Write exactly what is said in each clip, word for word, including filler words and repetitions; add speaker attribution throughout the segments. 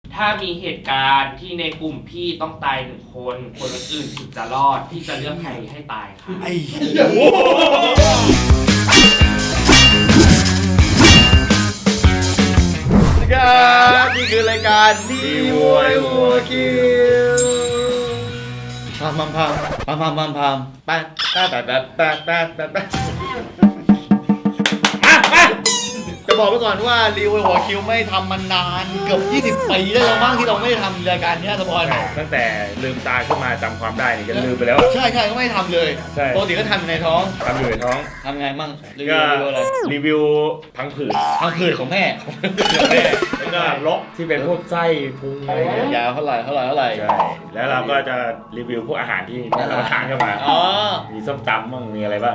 Speaker 1: ถ้ามีเหตุการณ์ที่ในกลุ่มพี่ต้องตายหนึ่งคนคนอื่นถึงจะรอดพี่จะเลือกใครให้ตายค่ะไอ้
Speaker 2: ครับนี่คือรายการดีววยหัวคิวพามพามพามพามพามพามพามแป๊ดแป๊ดแป๊ดแป๊ดแป๊ดแป๊ดแป๊ดมามาจะบอกไว้ก่อนว่ารีวิวหัวคิวไม่ทำมานานเกือบยี่สิบปีได้แล้วมั้งที่เราไม่ได้ทำรายการนี้สปอน
Speaker 3: ตั้งแต่ลืมตาขึ้นมาจำความได้นี่จะลืมไปแล้ว
Speaker 2: ใช่ใช่ก็ไม่ทำเลยปกติก็ทำในท้อง
Speaker 3: ทำอยู่ในท้อง
Speaker 2: ทำไงมั่งรีวิ
Speaker 3: ก็
Speaker 2: วอะไร
Speaker 3: รีวิวพังผืด
Speaker 2: พังผืดของแม่
Speaker 3: ของแม่แล้วก็ลกที่เป็นพวกไส้พุงอะไรเงี้ย
Speaker 2: ยาวเท่าไหร่เท่าไหร่เท่าไหร่
Speaker 3: ใช่แล้วเราก็จะรีวิวพวกอาหารที่เราทานเข้ามา
Speaker 2: อ๋อ
Speaker 3: มีส้มตำบ้างมีอะไรบ้าง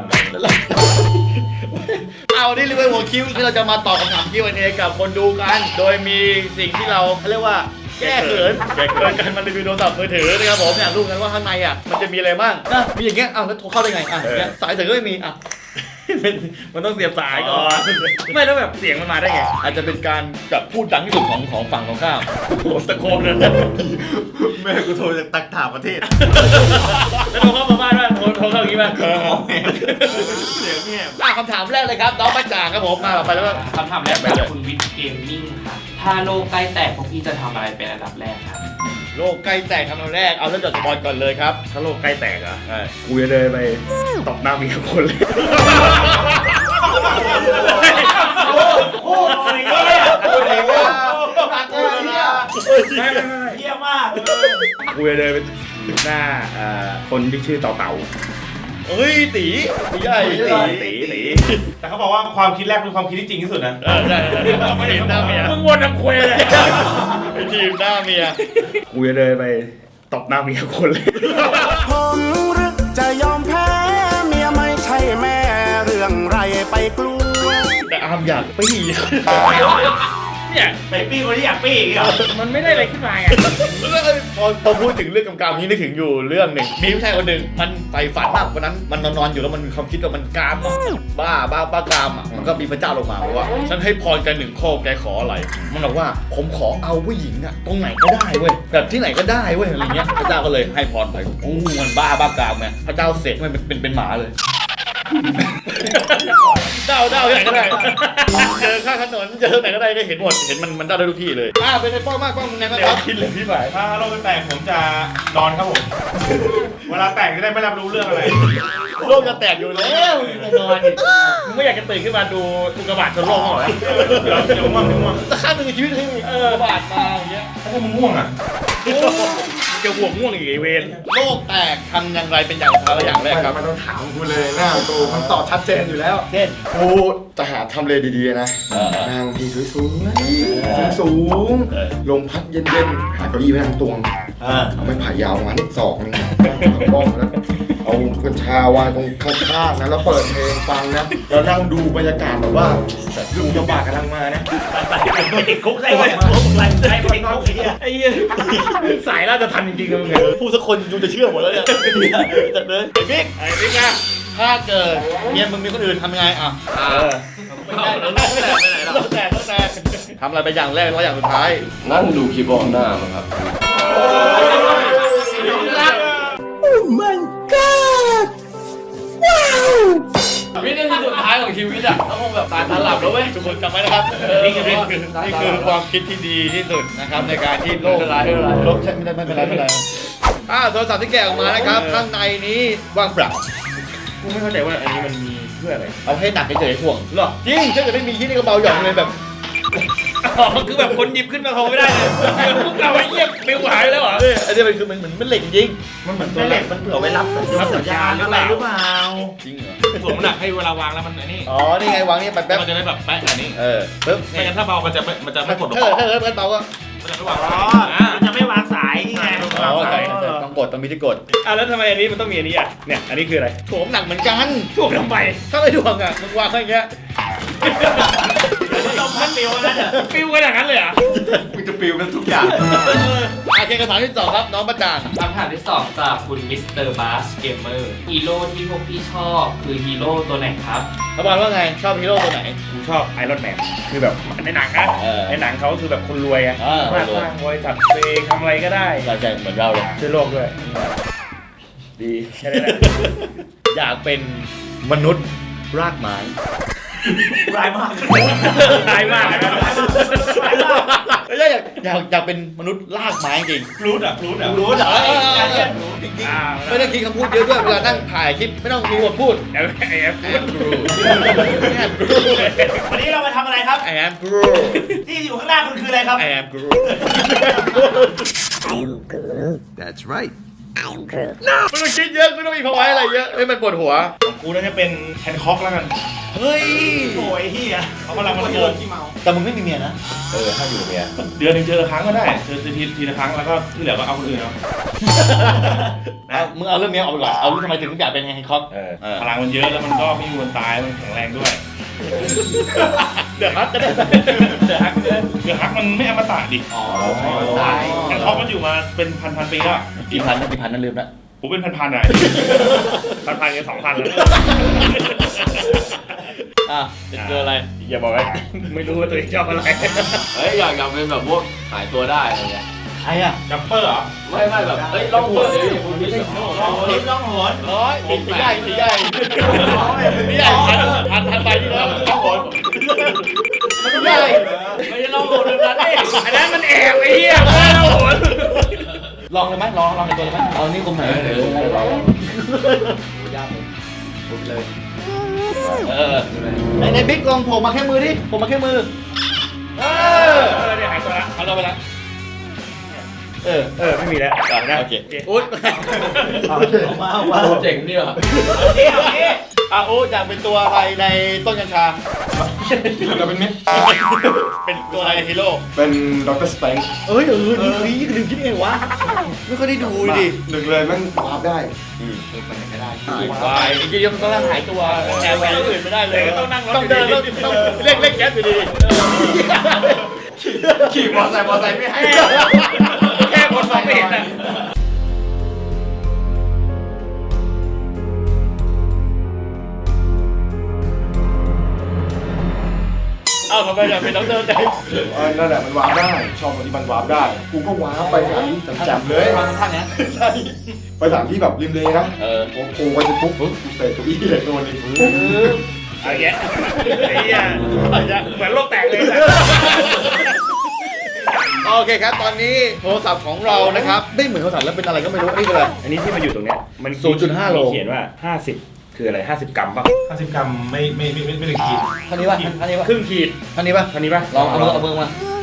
Speaker 2: เอาที่รีวิวหัวคิวที่เราจะมาตอบคำถาม คิว แอนด์ เอ กับคนดูกันโดยมีสิ่งที่เราเรียกว่าแก้เขินแก้เขินกันมารีวิวโทรศัพท์มือถือนะครับผมอยากรู้กันว่าข้างในอ่ะมันจะมีอะไรบ้างนะมีอย่างเงี้ยอ้าวแล้วโทรเข้าได้ไงอ่ะเนี่ยสายเสียงก็ไม่มีอ่ะ
Speaker 3: มันต้องเสียบสายก่อนไม่แล้วแบบเสียงมันมาได้ไง
Speaker 2: อาจจะเป็นการแบบพูดดังที่สุดของของฝั่งของข้าว
Speaker 3: โอ้ตะโกนเลย
Speaker 4: แม่กูโทรจากตักถามประเทศ
Speaker 3: แล้วโทรเข้ามาบ้านว่าโทรโทรเข้าอย่างนี้ป่ะ
Speaker 4: เสียงเงียบ
Speaker 2: อ่ะคำถามแรกเลยครับน้องป้าจ่างครับผมมาไปแล้ว
Speaker 1: คำถามแรกไปจากคุณวิทย์เกมมิ่งค่ะถ้าโลกใกล้แตกพวกพี่จะทำอะไรเป็นอันดับแรกครับ
Speaker 2: โลกใกล้แตกทำอันแรกเอาเรื่องจากสปอนก่อนเลยครับ
Speaker 3: ถ้าโลกใกล้แตกอ่ะกูจะเดินไปตบหน้ามีคนเลย
Speaker 4: โอ้ยเงี้ยโอ้ยเงี้ยตัดเลยเงี้ย
Speaker 3: ไม่ไม่ไม่
Speaker 4: เงี้ยมาก
Speaker 3: กูจะเดินไปหน้าคนที่ชื่อเต่าเต่า
Speaker 2: เฮ้ยตีตีใหญ่
Speaker 3: ตีตีตี
Speaker 4: แต่เขาบอกว่าความคิดแรกเป็นความคิดที่จริงที่สุดนะ
Speaker 2: เออใช่ไม่เห็นหน้าเมีย
Speaker 3: มึงวนทำคุยเลย
Speaker 2: ไอทีมหน้าเมีย
Speaker 3: กูจะเดินไปตบหน้าเมียคนเลย
Speaker 5: ผมรึกจะยอมแพ้เมียไม่ใช่แม่เรื่องไรไปกลัว
Speaker 2: แต่อามอยากปี้
Speaker 3: เนี่ย
Speaker 4: ไปปี้คนที่อยากปี้อีกเหรอ
Speaker 3: มันไม่ได้อะไรขึ้นมาไง
Speaker 2: พอพอพูดถึงเรื่องกำกับนี้นึกถึงอยู่เรื่องหนึ่งมีผู้ชายคนหนึ่งมันใฝ่ฝันมากวันนั้นมันนอนๆอยู่แล้วมันมีความคิดว่ามันกามบ้าบ้าบ้ากามอ่ะมันก็มีพระเจ้าลงมาบอกว่าฉันให้พรแกหนึ่งข้อแกขออะไรมันบอกว่าผมขอเอาผู้หญิงอ่ะตรงไหนก็ได้เว้ยแบบที่ไหนก็ได้เว้ยอะไรเงี้ยพระเจ้าก็เลยให้พรไปโอ้มันบ้าบ้ากามไงพระเจ้าเสกมันเป็นเป็นหมาเลยเด้าเด้าที่ไหนก็ได้เจอข้างถนนเจอไหนก็ได้ก็เห็นหมดเห็นมันมันเด้าได้ทุกที่เลยอ่าเป็นไอ้ป้อมากป้อมไงครับ
Speaker 3: คิดเลยพี่หมาย
Speaker 4: ถ้าโลกแตกผมจะนอนครับผมเวลาแตกจะได้ไม่รับรู้เรื่องอะไร
Speaker 2: โลกจะแตกอยู่แล้วนอน
Speaker 3: มึงไม่อยากจะตื่นขึ้นมาดูอุกกาบาตชนโลกหรอ
Speaker 4: เดี๋ยวเดี๋ยวง่วงเดี๋ยวง่วง
Speaker 2: แต่ข้างหนึ่งในชีวิตที่มีอุกกาบาตมาอย่างเงี้ย
Speaker 4: ถ้ามึงง่วงอ่ะ
Speaker 3: จะห่วงง่วงอีกเวร
Speaker 2: โลกแตกทำอย่างไรเป็นอย่างไรอย่างแรกครับ
Speaker 4: มันต้องถามกูเลยนะกูคำตอบชัดเจนอยู่แล้ว
Speaker 2: เช่น
Speaker 4: กูจะหาทำเลดีๆนะนั่งที่สูงๆสูงลมพัดเย็นๆหาเก้าอี้ไปนั่งตวงเอาไม้ไผ่ยาวมันสองนึงบ้องแล้วเอากัญชาวางตรงข้างๆนะแล้วเปิดเพลงฟังนะแล้วนั่งดูบรรยากาศแบบว่าลุงกระบะกำลังมานะ
Speaker 3: ไปติดคุกได้ไหมคุกไรได้ไปติดคุกไอ้เหี้ยสายน่าจะทันจริงๆเลยมึง
Speaker 2: พูดสักคนยูจะเชื่อหมดแล้วเนี่ยจัดเลยไอ้บิ๊ก
Speaker 3: ไอ้บิ๊กอะ
Speaker 2: ถ้าเกิดเมียมึงมีคนอื่นทำยังไงอ่ะไม่ได้แล้วแตกไปไหนแล้วแตกแตกทำอะไรไปอย่างแรกแล้วอย่างสุดท้าย
Speaker 6: นั่งดูคีย์บอร์ดหน้ามั้งครับ
Speaker 2: โอ้ my god ว้าววินาทีสุดท้ายของชีวิตอ่ะต้องคงแบบตายตาหลับแล้วเว้ยทุกคนจำไว้นะครับนี่คือนี่คือนี่คือความคิดที่ดีที่สุดนะครับในการที่โลกโลกใช่ไม่ได้ไม่เป็นไรไม่เป็นไรอ่าโทรศัพท์ที่แกะออกมานะครับข้างในนี้ว่างเปล่า
Speaker 3: กูไม่เข้าใจว่าอันนี้มันมีเพื่ออะไร
Speaker 2: เอาให้หนักเฉยๆถ่วงหรอจริงถ้าเกิดไม่มีที่นี่ก็เบาหย่อนเลยแบบ
Speaker 3: อ๋อคือแบบคนหยิบขึ้นมาโทรไม่ได้เลยพวกเราไอ้เหี้ยเบลหายแล้วเหรอ
Speaker 2: อันนี้มันคือมันเหมือนมันเหล็กจริง
Speaker 4: มันเหมือนตัวเหล็กมันเผื่อไว้รับสัญญาณอะไรหรือเปล่า
Speaker 2: จริงเหรอ
Speaker 3: ถ่วงหนักให้เวลาวางแล้วมันอันนี้
Speaker 2: อ๋อนี่ไงวางนี่แป๊บ
Speaker 3: มันจะได้แบบแป๊ะอันนี้
Speaker 2: เออปึ๊บ
Speaker 3: ไม่งั้นถ้าเบามันจะมันจะไม่กด
Speaker 2: ถ้าถ้าถ้าเบาก็
Speaker 3: มันจะไม่วาง
Speaker 4: อ๋อมันจะไม่วางสายไง
Speaker 2: อ๋อใช่ต้องกดต้องมีที่กด
Speaker 3: อ่ะแล้วทำไมอันนี้มันต้องมีอันนี้อ่ะเนี่ยอันนี้คืออะไร
Speaker 2: ถ่วงหนักเหมือนกัน
Speaker 3: ถ่วงทำไม
Speaker 2: ถ้าไม่ถ่วงอ่ะมึงวางแค่อย่างเงี้ย
Speaker 4: ต
Speaker 3: มพัดปิวนั่นเหรอปิวขนาดนั้นเลยเหรอ
Speaker 4: มึงจะปิวเป็นทุกอย่าง
Speaker 2: โอเคคำถามที่สองครับน้องประจ่าง
Speaker 1: คำถามที่สองจากคุณมิสเตอร์บาสเกมเมอร์ฮีโร่ที่พวกพี่ชอบคือฮีโร่ตัวไหนครับ
Speaker 2: ระบาลว่าไงชอบฮีโร่ตัวไหน
Speaker 3: กูชอบไอรอนแมนคือแบบในหนังนะ
Speaker 2: เออ
Speaker 3: ในหนังเขาคือแบบคนรวยอะ
Speaker 2: เออ
Speaker 3: มาสร้างบริษัทตัวเองทำอะไรก็ได้
Speaker 2: ใช่ใช่เหมือนเราเลย
Speaker 3: ช่วยโลกด้วยดีแค่นี้แหละ
Speaker 2: อยากเป็นมนุษย์รากไม้
Speaker 3: ร้ายมากร้ายมากนะร้ายมาก
Speaker 2: ไม่ใช่อยากอยากอยากเป็นมนุษย์รากไม้จริง
Speaker 3: รูดอ่ะรูดอ่ะ
Speaker 2: รู้เหรอ
Speaker 3: จริงๆ
Speaker 2: ไม่ต้องคิดคำพูดเยอะด้วยเวลานั่งถ่ายคลิปไม่ต้องมีบทพูด
Speaker 3: แอมแอม
Speaker 2: I am Groot I am Groot
Speaker 3: วันนี้เรามาทำอะไรครับ
Speaker 2: I am Groot
Speaker 3: ที่อยู่ข้างหน้าคุณคืออะไรครับ
Speaker 2: I am Groot
Speaker 5: That's right
Speaker 2: ไม่ต้องคิดเยอะไม่ต้องมีภาวะอะไรเยอะให้มันปวดหัว
Speaker 3: กูน่าจะเป็นแฮนค็อกแล้วกัน
Speaker 2: เฮ้ย
Speaker 3: โอ้ยเฮียเขากำลังมันเกิน
Speaker 2: แต่มึงไม่มีเมียนะ
Speaker 3: เออถ้าอยู่เมียเดือนหนึงเจอครั้งก็ได้เจอทีทีละครั้งแล้วก็ที่เหลือก็เอาคนอื่นเอา
Speaker 2: เอามึงเอาเรื่องเมียออกไปก่อนเอาเรื่องทำไมถึงอยากเป็นแฮงค็อก
Speaker 3: เออพลังมันเยอะแล้วมันก็ไม่มีวันตายมันแข็งแรงด้วย
Speaker 2: เดือดฮัทจะได้
Speaker 3: เดือดฮักเดือดฮักมันไม่อมตะดิ
Speaker 2: อ๋อ
Speaker 3: แฮนค็อกมันอยู่มาเป็นพันพันปีแล้ว
Speaker 2: กี่พันนะกี่พันนั่นลืมละ
Speaker 3: ผมเป็นพันพันอะพันพันกันสองพันแล้ว
Speaker 2: อ่ะจะเจออะไร
Speaker 3: อย่าบอกว่าไม่รู้ว่าตัวเองชอบอะไร
Speaker 6: เฮ้ยอยากอยากเป็นแบบพวกหายตัวได้อะไรเงี้ย
Speaker 2: ใครอ่ะ
Speaker 3: จัมเปอร์เหรอ
Speaker 6: ไม่ไม่แบบเฮ้ยล่องหัวเลยคุณไม่ใช่ล่องหัว
Speaker 3: ลิฟต์ล่องหน
Speaker 2: ร้อยตีใหญ่ตีใหญ่ตีใหญ่พันพันพันไปที่แล้วต้องหนมันใหญ่
Speaker 6: ไม่ใช่ล่องหัวแบบนั้นดิ
Speaker 3: อันนั้นมันแอบไอ้เหี้ยไม่ได้ล่องหน
Speaker 2: ลองเลยไหมลองลองในตัวเลยไหมเอานี่กลมไหนเดี๋ยวลองยากเลยปุ๊บเลยเออในในบิ๊กลองโผล่มาแค่มือดิโผล่มาแค่มือเออ
Speaker 3: เออเนี่ยหายตัวละ
Speaker 2: เอาเราไปละเออ
Speaker 3: เออไม่มีแล้วต่อนะ
Speaker 2: โอเคอุ๊ด
Speaker 4: มามา
Speaker 6: เจ๋งเนี่ย
Speaker 3: เที่ยวนี้
Speaker 2: อ่ะอุ๊ดอยากเป็นตัวอะไรในต้นกัญชา
Speaker 4: เราเป็นมิตร
Speaker 2: เป็นตัวอะไรในฮีโร่
Speaker 4: เป็นด็อกเตอร์สเปง
Speaker 2: เอ้ยเออนี่นี่ลืมคิดเองวะไม่ค่อยได้ดูดิ
Speaker 4: หนึ่งเลยแมันวาร์ปได้
Speaker 2: วายจริงๆต้องนั่งหายตัวแอบแหวนอื่นไม่ได้เลย
Speaker 3: ต้องนั่งรถ
Speaker 2: ต้องเดินต้องต้องเรียกเรียกแก๊ปอยู่ดี
Speaker 4: ขี่มอเตอร์ไซค์มอเตอร์ไซค์ไม่ให้
Speaker 3: แค่คนมองไม่เห็นอ่ะ
Speaker 2: เอ้าทำไมอยากเป็นด็อกเตอร์ใจ
Speaker 4: เออนั่นแหละมันวาร์ปได้ ชอบตรงที่มันวาร์ปได้ กูก็วาร์ปไปสถานที่แจ่มๆเลย
Speaker 2: ทางทางเนี้ย
Speaker 4: ใช่ไปสถานที่แบบริมเลยนะ
Speaker 2: เออ
Speaker 4: โอ้โหไปเสร็จปุ๊บปุ๊บกูเสร็จเก้าอี้เลยโดนเลยปุ๊บ
Speaker 3: ไอ้เหี้ยไอ้เหี้ยเหมือนโลกแตกเลย
Speaker 2: โอเคครับ ตอนนี้โทรศัพท์ของเรานะครับไม่เหมือนโทรศัพท์แล้วเป็นอะไรก็ไม่รู้นี่คืออะไร
Speaker 3: อันนี้ที่มาอยู่ตรงเนี้ยมัน
Speaker 2: ศูนย์จุดห้าโล
Speaker 3: มีเขียนว่าห้าสิบคืออะไรห้าสิบกรัมป่ะห้าสิบกรัมไม่ไม่ไม่ไม่ถึงขีด
Speaker 2: ท่านี้ป่ะท่านี้ป่ะ
Speaker 3: ครึ่งขีด
Speaker 2: ท่านี้ป่ะ
Speaker 3: เท่านี้ป่ะ
Speaker 2: ลองเอามือเอามือมา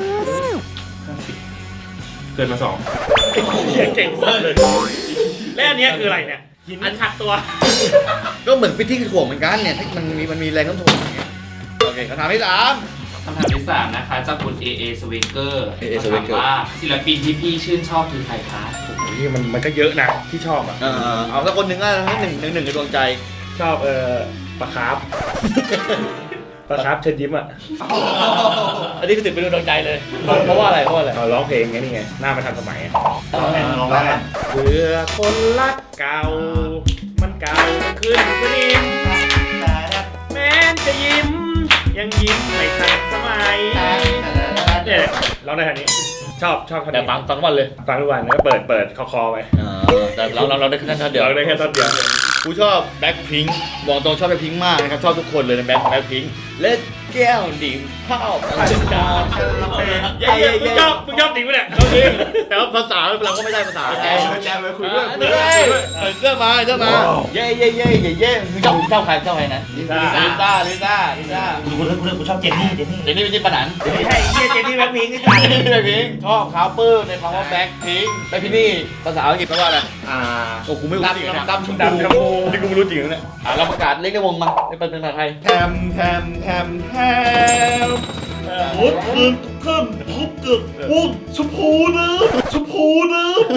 Speaker 3: เกินมาสองเหี้ยเก่งสุดเลยและอันเนี้ยคืออะไรเนี่ยหินอันขัดตัว
Speaker 2: ก็เหมือนพิธีถ่วงเหมือนกันเนี่ยที่มันมีมันมีแรงโน้มถ่วงอย่างเงี้ยโอเคคำถามที่สาม
Speaker 1: คำถามที่สามนะคะจากคุณ เอ เอ Swaker
Speaker 2: เอ เอ
Speaker 1: ถาม
Speaker 2: Swaker
Speaker 1: ว่าศิลปินที่พี่ชื่นชอบคือใครคะ
Speaker 3: โอ้ยมันมันก็เยอะนะที่ชอบอ่ะ
Speaker 2: เออเอาสักคนหนึ่งก็ได้หนึ่งหนึ่งหนึ่งในดวงใจ
Speaker 3: ชอบเอ่อปลาคาร์ฟปลาคาร์ฟเชิญยิ้มอ่ะ
Speaker 2: อันนี้คือถือเป็นดวงใจเลย เพราะว่าอะไรเพราะว่าอะไร
Speaker 3: เขาร้องเพลงไงนี่ไงหน้ามันทันสมัยอะ
Speaker 2: ลอง
Speaker 4: ลองได้
Speaker 3: เบื่อคนรักเก่า มันเก่าขึ้นกว่านี้แม้นจะยิ้ม ยังยิ้มไม่ทันสมัยเนี่ยร้องได้ท่านี้ ชอบชอบท่า
Speaker 2: แต่
Speaker 3: นี้
Speaker 2: ฟังฟังวันเลย
Speaker 3: ฟังทุกวันแล้วก็เปิดเปิดคอคอไป
Speaker 2: แต่เราเราเราได้แค่ท่านเดียว
Speaker 3: ร้องได้แค่ท่อนเดียว
Speaker 2: กูชอบแบ็คพิงค์บอกตรงชอบแบ็คพิงค์มากนะครับชอบทุกคนเลยในแบ็คแบ็คพิงค์เลสแก้วดิ่มข้าวมันจะดาว
Speaker 3: เย้ๆมึงชอบมึงชอบจริงปะเนี่ย
Speaker 2: ชอบจริงแต่ว่าภาษาเราก็ไม่ได้ภาษา
Speaker 4: แจมเลยแจมเลยคุยด้วย
Speaker 2: เฮ้ยเสื้อมาเสื้อมาเย่เย่เย่เย่เย่มึงชอบชอบใครชอบใครนะลิซ่าลิซ่าลิซ่าลิซ่า
Speaker 3: กูกูกูกูชอบเจนนี่เจนนี่
Speaker 2: เจนนี่ไม่ใช่ปะหนัน
Speaker 3: ไม่ใช่เฮียเจนนี่แบ็คพิงค์นี่
Speaker 2: แบ็คพิงค์ชอบคาร์เปอร์ในคำว่าแบ็คพิงค์แบ็คพิงค์นี่ภาษาอังกฤษแปลว่าอะไร
Speaker 3: อ่า
Speaker 2: โอ้กูไม่รู้จริงนะ
Speaker 3: ดำชมพูดำชมพูนี่กูไม่รู้จริงนะเนี่ย
Speaker 2: อ่ะเราประกาศเรียกได้วงมาเป็นภาษาไทย
Speaker 4: แทมแทมแทมแทม
Speaker 3: วุ้นขึ้นขึ้นทุบตึกวุ้นชมพูนะชมพูนะ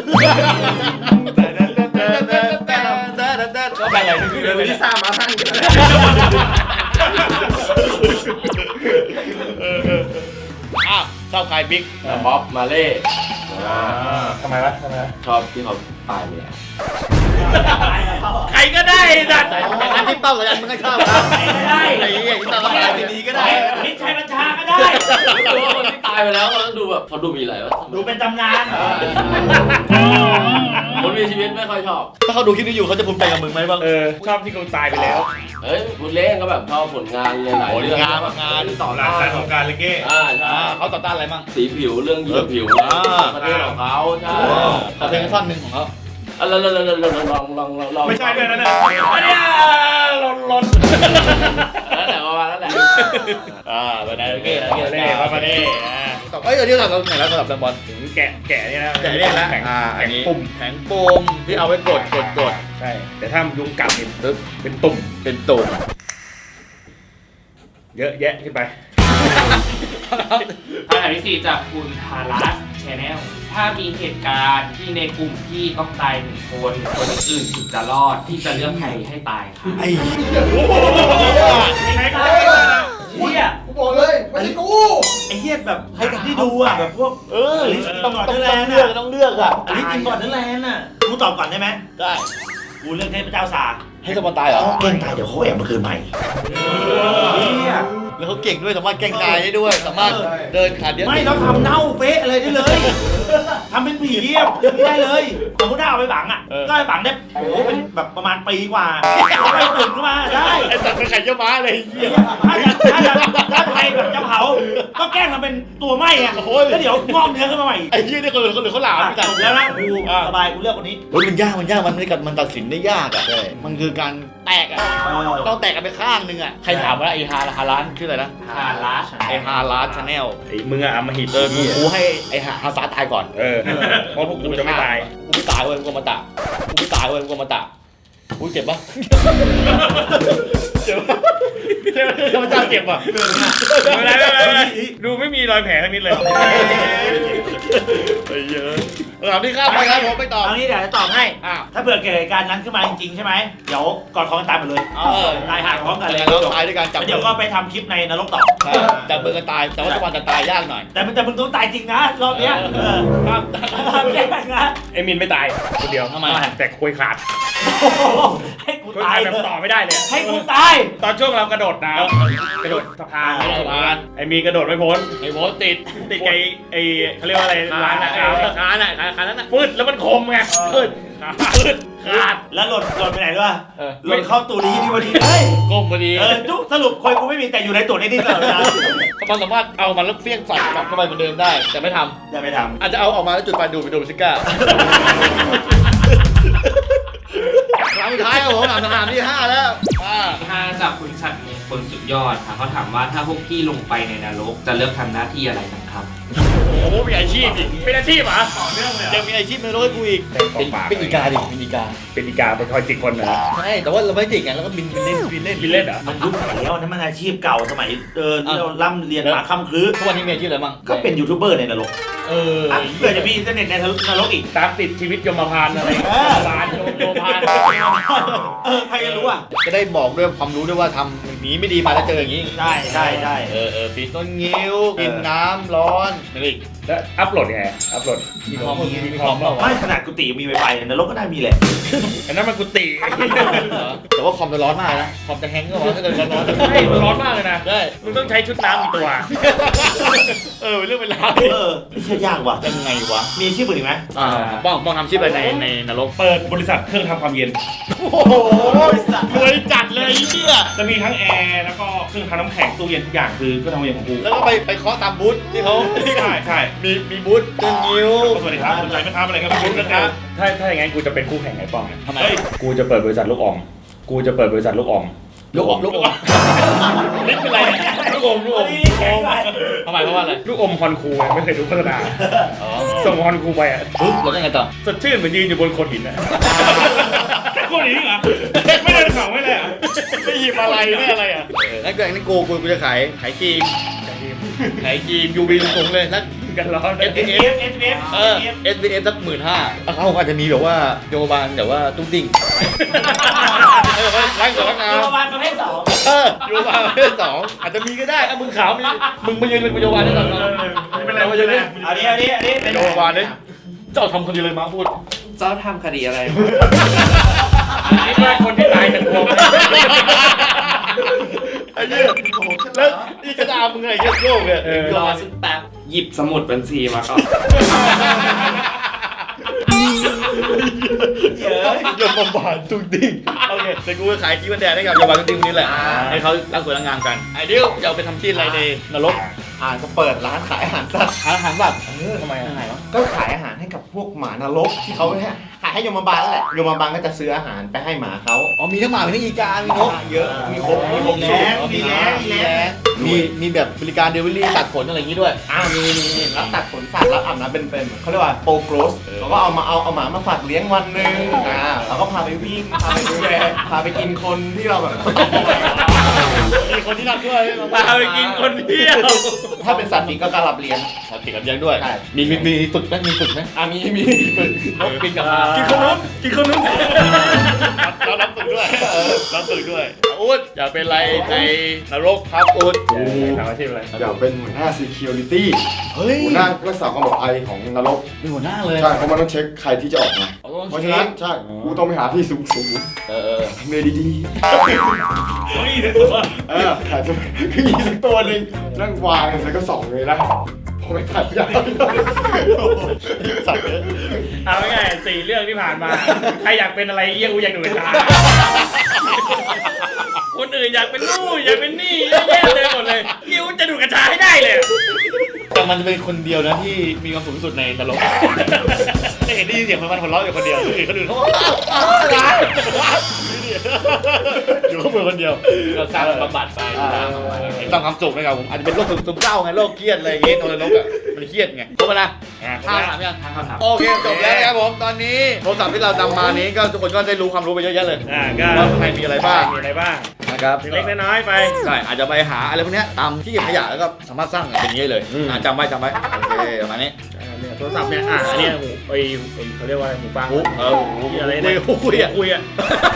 Speaker 2: ก็ไปอะไรนี่คือ
Speaker 4: เดี๋ยวลิซ่ามาทั้ง
Speaker 3: เออเออ
Speaker 2: ชอบใครบิ๊ก
Speaker 6: บ๊อบมาเล่
Speaker 3: ทำไมวะทำไมวะ
Speaker 6: ชอบที่เขาตายไปแล้ว
Speaker 3: ใครก็ได้สัตว์
Speaker 2: แต่อันที่เป้ากับอันมึงก็ชอบครับ
Speaker 3: ไม่ได้
Speaker 2: ไอ้เหี้ยที่เป้าก็ได้ดีๆก็ได้
Speaker 3: มิตรชัยบัญชาก็ได้
Speaker 6: รู้ว่าคนที่ตายไปแล้วเขาดูแบบเขาดูมีอะไรวะ
Speaker 3: ดูเป็นตำนาน
Speaker 6: คนมีชีวิตไม่ค่อยชอบ
Speaker 2: ถ้าเขาดูคลิปนี้อยู่เขาจะภูมิใจกับมึงไหมบ้าง
Speaker 3: เออชอบที่เขาตายไปแล้ว
Speaker 6: เฮ้ยพูดเล่นก็แบบชอบผลงานหลายๆเรื่อง
Speaker 2: ผลงานผลงาน
Speaker 6: ต่อ
Speaker 3: หลั
Speaker 6: ต้าก
Speaker 3: การ
Speaker 6: น
Speaker 3: ของการเลยเก้
Speaker 6: อ่าใช่
Speaker 2: อ่าเขาต่อต้านอะไรบ้าง
Speaker 6: สีผิวเรื่องเหยื่อผิว
Speaker 2: อ่า
Speaker 6: ประเทศของเขาใช่
Speaker 2: ขอเพลงท่อนหนึ่งของเขา
Speaker 6: อ่ะลองลองลองลองลองลองลองลอง
Speaker 3: ไม่ใช่ด้วยนะเนี่ยอันเนี้ยหล่นหล่น
Speaker 6: นั่นแหละประมาณนั้นแหละ
Speaker 2: อ่าไปได้โอเคโอเค
Speaker 3: เล่มาประเดี๋ยว
Speaker 2: เอ้ยเดี๋ยวเราไหนแล้วสำหรับแฟนบอล
Speaker 3: ถึงแกะแกะนี่นะ
Speaker 2: แกะเนี่ยนะ
Speaker 3: แข็ง
Speaker 2: อ่าอั
Speaker 3: แข็
Speaker 2: น
Speaker 3: ง
Speaker 2: นี้
Speaker 3: ปุ่ม
Speaker 2: แผงปมที่เอาไว้กดกดกด
Speaker 3: ใช่แต่ถ้ายุงกัดนี่ปึ๊บเป็นตุ่ม
Speaker 2: เป็นตุ่ม
Speaker 3: เยอะแยะขึ้นไป
Speaker 1: คำถามที่สี่จากคุณทารัสแชนแนลถ้ามีเหตุการณ์ที่ในกลุ่มพี่ต้องตายหนึ่งคน คนอื่นถึงจะรอดที่จะเลือกใครให้ตายค่ะ
Speaker 2: ไอ้
Speaker 3: ใครก็ได้เฮีย
Speaker 4: กูบอกเลยไม่ใช่กู
Speaker 7: ไอ้เหี้ยแบบให้ที่ดูอ่ะแบบพวก
Speaker 2: เออ
Speaker 7: อลิสต้อง
Speaker 2: ต้อง
Speaker 7: เลือก
Speaker 2: เลือกต้องเลือกอ่ะ
Speaker 7: อลิสกินบอร์ดเดอร์แลนด์น่ะกูตอบก่อนได้ไหม
Speaker 2: ได้
Speaker 7: กูเลือกเทพเจ้าสา
Speaker 2: ให้สมบัติตายเหรอ
Speaker 7: แกล้งตายเดี๋ยวเขาแอบมาคืนใหม่เหี้ย
Speaker 2: แล้วเขาเก่งด้วยสามารถแกล้งตายได้ด้วย สามารถเดินขาเดียว
Speaker 7: ไม่ต้องทำเน่าเป๊ะอะไรได้เลยทำเป็นผีอ่ะไม่ได้เลยสมมติถ้าเอาไปฝังอ่ะก็ไปฝังได้โอ้โหเป็นแบบประมาณปีกว่าแล้วไปตื่นขึ้นมาได้
Speaker 2: ไอ้สัตว์เป็นไข่เจ้าม้าเลยไอ้เหี้ย
Speaker 7: ถ้าจะถ้าจะถ้าใครแบบจะเผาก็แกล้งทำเป็นตัวไหม้อ่ะแล้วเดี๋ยวงอกเนื้อขึ้นมาใหม่
Speaker 2: ไอ้เหี้ยนี่คนอื่นคนอื่นเขาหลาม
Speaker 7: อ่ะ
Speaker 2: ไม่จัด
Speaker 7: จบแล้วนะกูสบายกูเลือกคนนี้
Speaker 2: โอ้ยมันยากมันยากมันไม่กับมันตัดสินได้ยากอ่ะมันคือการแตกอ่ะต้องแตกกันไปข้างนึงอ่ะใครถามว่าไอ้ฮาฮาร้านชื่ออะไรนะ
Speaker 1: ทารัส
Speaker 2: ไอ้ฮาร้านชาแนล
Speaker 3: ไอ้มึงอะอำมหิต
Speaker 2: เออกูกูให้ไอ้ฮาฮาซาตายก่อน
Speaker 3: เออเพราะพวกกูจะไม่ตาย
Speaker 2: กูไม่ตายเว้ยกูมาตะกูไม่ตายเว้ยกูมาตะกูเจ็บปะเจ็บปะเจ็บข้าพเจ้าเจ็บปะ
Speaker 3: ไม่เป็นไรไม่เป็นไรดูไม่มีรอยแผลทั้งนิดเลย
Speaker 2: ไอ้เยอะถามที่ข้ามไปครับผมไม่ตอบ
Speaker 7: เอางี้เดี๋ยวจะตอบให้
Speaker 2: อ้าว
Speaker 7: ถ้าเผื่อเกิดเหตุการณ์นั้นขึ้นมาจริงๆใช่ไหมเดี๋ยวกอดคอกันตายหมดเลย
Speaker 2: เออ
Speaker 7: ตายห่างพร้อมกันเลย
Speaker 2: เราตายด้วยการจับ
Speaker 7: แล้วเดี๋ยวก็ไปทำคลิปในนรกต่อ
Speaker 2: ใช่จับมือกันตายแต่ว่าจังหวะจะตายยากหน่อย
Speaker 7: แต่มันแต่มึงต้องตายจริงนะรอบเนี้ยเออ
Speaker 2: ครับ
Speaker 7: ห้ามแกล้งนะ
Speaker 3: ไอ้มินไม่ตายคนเดียว
Speaker 2: ทำไม
Speaker 3: แต่คุยขาด
Speaker 7: โอ้โหให้กู
Speaker 3: คุย
Speaker 7: ตา
Speaker 3: ขาย ด
Speaker 7: เล
Speaker 3: แบบ
Speaker 7: ย
Speaker 3: ต่อไม่ได้เลย
Speaker 7: ให้กูตาย
Speaker 3: ตอนช่วงเรากระโดดน้ำกระโดดสะพาน
Speaker 2: กระโดดสะพาน
Speaker 3: ไอ้มีกระโดดไม่พ้น
Speaker 2: ไอ้โบทติด
Speaker 3: ติดไอ้ไอ้เขาเรียกว่าอะไรร้านอะ
Speaker 2: ขา
Speaker 3: ครับ
Speaker 2: ขาน่ะขาขานั้นน่ะ
Speaker 3: ฟืดแล้วมันคมไงฟืดฟืดขาด
Speaker 7: แล้วหล่นหล่นไปไหนด้วย
Speaker 2: เออ
Speaker 7: หล่นเข้าตูนี้ที่พอดีเฮ้ย
Speaker 2: ก้มพอดี
Speaker 7: เออจุสรุปคนกูไม่มีแต่อยู่ในตูนี้นี่ตลอดเวลา
Speaker 2: มันสามารถเอามันแล้วเฟี้ยงใส่กลับเข้าไปเหมือนเดิมได้ แต่ไม่ท
Speaker 7: อย่าไปท
Speaker 2: ำอาจจะเอาออกมาแล้วจุดไฟดูดไปโดนซิก้าครั้งสุดท้ายครับผมถามคำถามที่ห้าแล้วอ่า
Speaker 1: ห้าจากคุณชัดมงคลสุดยอดค่ะเขาถามว่าถ้าพวกพี่ลงไปในนรกจะเลือกทำหน้าที่อะไรกันครับ
Speaker 2: โอ้โหมีอาชีพอีก
Speaker 3: เป็นอาชีพเหรอต่อเนื่องเลย
Speaker 2: ยังมีอาชีพในโลกให้กูอีก เป็นเป็นอีกาดิเป็นอีกา
Speaker 3: เป็นอีกาเป็นคอยจิกคนเหรอ
Speaker 2: ใช่แต่ว่าเราไม่จิกไงเราก็บินบินเล่นบินเล่น
Speaker 3: บินเล่นเหรอ
Speaker 7: ำมันยุคไหนแล้วนั่นมันอาชีพเก่าสมัยเออที่เราล่ำเรียนมาค่ำครื้น
Speaker 2: ทุกวันนี้มีอาชีพอะไรบ้าง
Speaker 7: ก็เป็นยูทูบเบอร์ในนรก
Speaker 2: เออ
Speaker 7: อ่ะเพื่อจะมีอินเทอร์เน็ตในนรกอีก
Speaker 3: ตามติดชีวิตยมพานอะไร
Speaker 7: เออ
Speaker 3: พานโยมโยมพาน
Speaker 7: เออใครจะรู้อ่ะ
Speaker 2: จะได้บอกด้วยความรู้ด้วยว่าทำอย่างนี้ไม่ดีมาแล้วเจออย่างนี้
Speaker 7: ใช่ใช่ใช่
Speaker 2: เออเออปีนต้นงิ้วกินน้ำร้อนอะไรอีก
Speaker 3: แล้วอัพโหลดยังไงอัพโหลด
Speaker 2: มีคอมมีคอมเปล่าวะ
Speaker 7: ไม่ขนาดกุฏิมีไวไฟนรกก็ได้มีแหละ
Speaker 3: อันนั้นมันกุฏิ
Speaker 2: แต่ว่าคอมจะร้อนมากนะคอมจะแฮงก์ก็ร้อนถ้าเกิดร้อน
Speaker 3: ใช่มันร้อนมากเลยนะ
Speaker 2: ได้
Speaker 3: มึงต้องใช้ชุดน้ำอีกตัว
Speaker 2: เออเป็นเรื่องเป็นราว
Speaker 7: เออไม่ใช่ยากว่ะ
Speaker 2: ยังไงวะ
Speaker 7: มีอาชีพอื่นอีกไหม
Speaker 2: อ่าป้องป้องทำชีพอะไรในในนรก
Speaker 3: เปิดบริษัทเครื่องทำความเย็น
Speaker 2: โอ้โหรวยจัดเลยไอ้เนี่ย
Speaker 3: จะมีทั้งแอร์แล้วก็เครื่องทำน้ำแข็งตู้เย็นทุกอย่างคือเครื่องทำความเย็นของกู
Speaker 2: แล้วก็ไปไปเคาะตามบูธที่เขา
Speaker 3: ใช่ใช่
Speaker 2: มีมีบูธต้นงิ้ว
Speaker 3: สวัสดีครับสนใจไหมครับอะไรครับคุณนะครับถ้าถ้าอย่างงั้นกูจะเป็นคู่แข่งไอ้ป้องเนี่ย
Speaker 2: ทำไม
Speaker 3: เฮ้ยกูจะเปิดบริษัทลูกอมกูจะเปิดบริษัทลูกอม
Speaker 2: ลูกอมลูกอม
Speaker 3: นี่เป็นไรเนี่ยลูกอมลูกอม
Speaker 7: แข็งไป
Speaker 2: ทำไมเพราะว่าอะไร
Speaker 3: ลูกอมฮอนคูไงไม่เคยดูโฆษณา
Speaker 2: อ๋อ
Speaker 3: ส่งฮอนคูไปอ่ะ
Speaker 2: ปุ๊บแล้วยังไงต่อ
Speaker 3: สดชื่นเหมือนยืนอยู่บนโขดหินอ่ะแค่โขดหินเหรอไม่เดินเขาไม่เลยอ่ะ
Speaker 2: ไม่หยิบอะไรไม่อะไรอ่ะนั่นก็อย่างนี้กูกูกูจะขายขายครีมขายครีมยูวีสูงเลยแล้ว
Speaker 3: กันร้อน
Speaker 2: เอส
Speaker 7: เอ
Speaker 2: พี
Speaker 7: ฟ
Speaker 2: เอฟ
Speaker 7: เอฟเอฟ
Speaker 2: เออ เอส พี เอฟ สักหมื่นห้าเขาอาจจะมีแบบว่าโยบานแบบว่าตุ้งติ้งเออร้านสวยงาม
Speaker 7: โรงพยาบาลประเภทสอง
Speaker 2: เอออยู่มาประเภทสองอาจจะมีก็ได้ถ้ามึงขาวมีมึงมายืนเป็นพยาบาลได้หรอ
Speaker 3: ไม่เป็นไร
Speaker 2: มายืนเลย
Speaker 7: อันนี้อันนี้อันนี้
Speaker 2: พยาบาลเนี่ยเจ้าทำคนเดียวเลยมาพูด
Speaker 1: เจ้าทำคดีอะไร
Speaker 3: คิดว่าคนที่ตายจะกลัวไหม
Speaker 2: ไอ้เหี้ยแล้วนี่กระดาษมึงไงเหี้ยโยกเนี่ย
Speaker 1: รอสักแป๊บหยิบสมุดบัญชีมาก่อน
Speaker 2: เยอะยมบาลทุกดิ้งโอเคแต่กูจะขายขี้บันแดงให้กับยมบาลทุกดิ้งนี้แหละให้เขารักสวยรักงามกันไอ้เดียวจะเอาไปทำที่อะไรในนรก
Speaker 8: อ่านก็เปิดร้านขายอาหารสัตว์
Speaker 2: อาหารแบบ
Speaker 8: เออ
Speaker 2: ทำไมยังไงวะ
Speaker 8: ก็ขายอาหารให้กับพวกหมานรกที่เขาให้ขายให้ยมบาลนั่นแหละยมบาลก็จะซื้ออาหารไปให้หมาเขา
Speaker 2: อ๋อมีทั้งหมามีทั้งอีกามีนก
Speaker 8: เยอะมีครบมีครบ
Speaker 7: แรงมีแรงมีแรง
Speaker 2: มีมีแบบบริการเดลิเวอรี่ตัดขนอะไรอย่างนี้ด้วย
Speaker 8: อ่ามีมีมีรับตัดขนสัตว์รับอาบน้ำเป็นเป็นเขาเรียกว่าโปรโกรสเขาก็เอามาเอาเอาหมามาฝากเลี้ยงวันหนึ่งอ่าแล้วก็พาไปวิ่งพาไปดูแลพาไปกินคนที่เราแบบ
Speaker 2: มีคนที่รักด้วย
Speaker 3: พาไปกินคนเดียว
Speaker 8: ถ้าเป็นสัตว์ปีกก็การรับเลี้ยง
Speaker 2: สัตว์ติดกับเลี้ยงด้วย
Speaker 8: ใช่
Speaker 2: มีมีมีฝึกไหมมีฝึกไหม
Speaker 8: อ่ามีมีฝึก
Speaker 2: นกกินกับ
Speaker 3: กินขนมกินขนม
Speaker 2: เรารับฝึกด้วยรับฝึกด้วยอู๊ดอยากเป็นอะไรในนรกครับอู๊ด
Speaker 3: ทำอาชีพอะไร
Speaker 4: อยากเป็นหัวหน้า security
Speaker 2: เฮ้ย
Speaker 4: หัวหน้ารักษาความปลอดภัยของนรก
Speaker 2: เป็นหัวหน้าเลย
Speaker 4: ใช่เพราะมันต้องเช็คใครที่จะออกมา
Speaker 2: เอาต้อง
Speaker 4: เพราะฉะนั้นใช่กูต้องไปหาที่สูงสูง
Speaker 2: เออเออ
Speaker 4: ๆทำเลดี
Speaker 3: เฮ้ยเดี๋ยวตัว
Speaker 4: ๆเออขายสักคือมีสักตัวหนึ่งนั่งวางแล้วก็ส่องเลยนะพอไปขายยาว
Speaker 2: สัตว์เยอะ
Speaker 3: เอาง่ายๆสี่เรื่องที่ผ่านมาใครอยากเป็นอะไรเยี่ยกูอยากดูดกระชาคนอื่นอยากเป็นนู่นอยากเป็นนี่เยอะแยะเลยหมดเลยยิวจะดูดกระชาให้ได้เลย
Speaker 2: แต่มันจะเป็นคนเดียวนะที่มีความสุขที่สุดในนรกได้เห็นได้ยินเสียงมันมันหัวเราะอยู่คนเดียวคนอื่นคนอื่นเขาอยู่ข้างบนคนเดียวเราสร้างบำบัดไปสร้างความสุขนะครับผมอาจจะเป็นโรคซึมเศร้าไงโรคเครียดอะไรอย่างงี้นรกอ่ะมันเครียดไงครบแล้วนะห้าถามยังโอเคจบแล้วนะครับผมตอนนี้โทรศัพท์ที่เรานำมานี้ก็ทุกคนก็ได้รู้ความรู้ไปเยอะแยะเลย
Speaker 3: อ่าก็
Speaker 2: ว่าข้างในมีอะไรบ้าง
Speaker 3: มีอะไรบ้าง
Speaker 2: นะครับ
Speaker 3: เล็กๆน้อยๆไป
Speaker 2: ใช่อาจจะไปหาอะไรพวกเนี้ยตามที่เก็บขยะแล้วก็สามารถสร้างเป็นอย่างนี้เลยอ่าจำไว้จำไว้โอเคประมาณนี้
Speaker 3: อ่าเนี่ยโทรศัพท์เนี่ยอ่ะอันเนี้ยหูไอ้ไอ้เขาเรียกว่าอะไรหูฟัง
Speaker 2: หูเออหู
Speaker 3: ที่อะไร
Speaker 2: คุ
Speaker 3: เนี่ย
Speaker 2: ยคุยอ่ะ
Speaker 3: คุยอ่ะ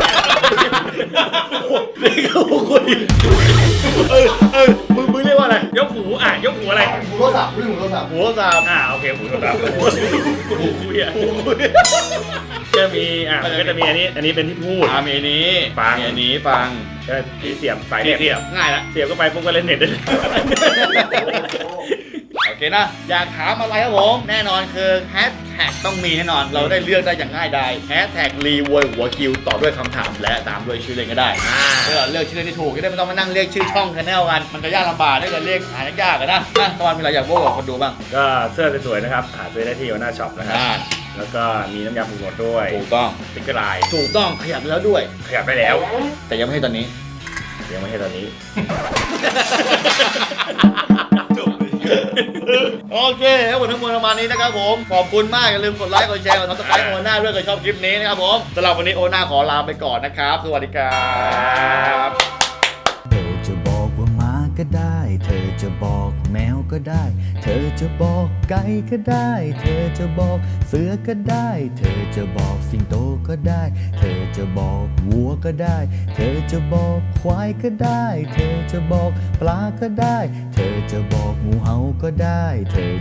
Speaker 2: นี่ก็คุยเออเออมึงมึงเรียกว่าอะไร
Speaker 3: ยกหูอ่ะยกหูอะไร
Speaker 4: หูโทรศัพท์เรื่องหูโทรศัพท์
Speaker 2: หัวสาม
Speaker 3: อ่าโอเคหูโทรศัพท์หูคุยอ่ะก็มีอ่ะมันก็จะมีอันนี้อันนี้เป็นที่พูด
Speaker 2: อ่ามีอันนี้
Speaker 3: ฟัง
Speaker 2: มีอันนี้ฟัง
Speaker 3: ก็ที่เสียบสาย
Speaker 2: เสี
Speaker 3: เสี
Speaker 2: ย
Speaker 3: ย
Speaker 2: บบ ง่ายละ
Speaker 3: เสียบเข้าไปปุ๊บก็เล่นเน็ตได้เลย
Speaker 2: โอเคนะอยากถามอะไรครับผมแน่นอนคือแฮชแท็กต้องมีแน่นอนเราได้เลือกได้อย่างง่ายดายแฮชแท็กรีววยหัวคิวต่อด้วยคำถามและตามด้วยชื่อเล่นก็ได้เพื่อเลือกชื่อเล่นที่ถูกจะได้ไม่ต้องมานั่งเรียกชื่อช่องชาแนลกันมันจะยากลำบากได้กันเรียกหายากๆกันนะนะตอนมีอะไรอยากบอกกับคนดูบ้าง
Speaker 3: ก็เสื้อสวยๆนะครับหาซื้อได้ที่หน้าช็อปนะครับ
Speaker 2: อ่า
Speaker 3: แล้วก็มีน้ำยาปรุงรสด้วย
Speaker 2: ถูกต้อง
Speaker 3: สติ๊กเกอร์ลาย
Speaker 2: ถูกต้องขยับแล้วด้วย
Speaker 3: ขยับได้แล้ว
Speaker 2: แต่ยังไม่ให้ตอนนี้
Speaker 3: ยังไม่ให้ตอนนี้
Speaker 2: โอเคทั้งหมดทั้งมวลประมาณนี้นะครับผมขอบคุณมากอย่าลืมกดไลค์กดแชร์กดซับสไครต์โอน่าด้วยใครชอบคลิปนี้นะครับผมสำหรับวันนี้โอน่าขอลาไปก่อนนะครับสวัสดีครับ
Speaker 9: เธอจะบอกว่าหมาก็ได้ เธอจะบอกแมวก็ได้ เธอจะบอกไก่ก็ได้ เธอจะบอกเสือก็ได้ เธอจะบอกสิงโตก็ได้ เธอจะบอกวัวก็ได้ เธอจะบอกควายก็ได้ เธอจะบอกปลาก็ได้ เธอจะบอกงูเห่าก็ได้เธอ